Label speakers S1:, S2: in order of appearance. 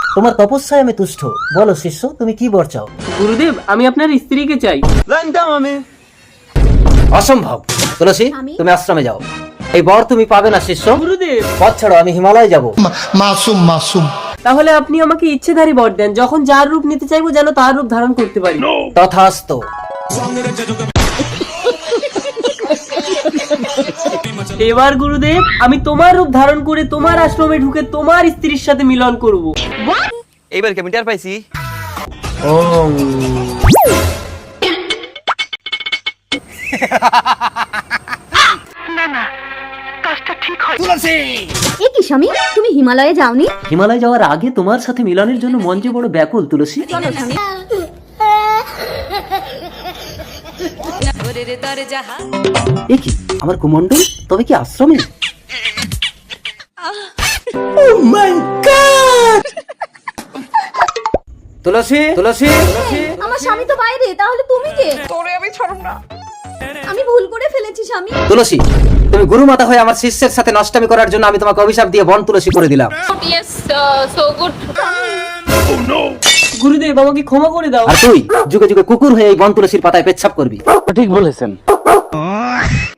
S1: তোমার তপস্যায় আমি তুষ্ট। বলো শিষ্য, তুমি কি বর চাও?
S2: গুরুদেব, আমি আপনার স্ত্রীকে চাই।
S1: অসম্ভব। তুলসী, তুমি আশ্রমে যাও। এই বর তুমি পাবে না শিষ্য।
S2: গুরুদেব,
S1: পথ ছাড়ো, আমি হিমালয় যাব।
S3: মাসুম মাসুম।
S2: তাহলে আপনি আমাকে ইচ্ছেধারী বর দেন, যখন যার রূপ নিতে চাইবো যেন তার রূপ ধারণ করতে পারি।
S1: তথাস্তু।
S2: এবার গুরুদেব, আমি তোমার রূপ ধারণ করে তোমার আশ্রমে ঢুকে তোমার স্ত্রীর সাথে মিলন করব।
S4: এইবার কি আমি টের পাইছি?
S2: ওম।
S5: এ কি স্বামী, তুমি হিমালয়ে যাওনি?
S1: হিমালয় যাওয়ার আগে তোমার সাথে মিলনের জন্য মন যে বড় ব্যাকুল তুলসী।
S5: চলো স্বামী।
S1: এ কি আমার কুমন্ডল, তবে কি আশ্রমে? তুলসী, তুলসী, তুলসী।
S5: আমার স্বামী তো বাইরে, তাহলে তুমি কে? তোরে আমি ছাড়ব না। আমি ভুল করে ফেলেছি স্বামী।
S1: তুলসী, তুমি গুরু মাতা হয়ে আমার শিষ্যের সাথে নষ্টামি করার জন্য আমি তোমাকে অভিশাপ দিয়ে বন তুলসী করে দিলাম।
S2: গুরুদেব, আমাকে ক্ষমা করে দাও।
S1: আর তুই যুগে যুগে কুকুর হয়ে এই বন তুলসীর পাতায় পেচ্ছাপ করবি।
S4: ঠিক বলেছেন।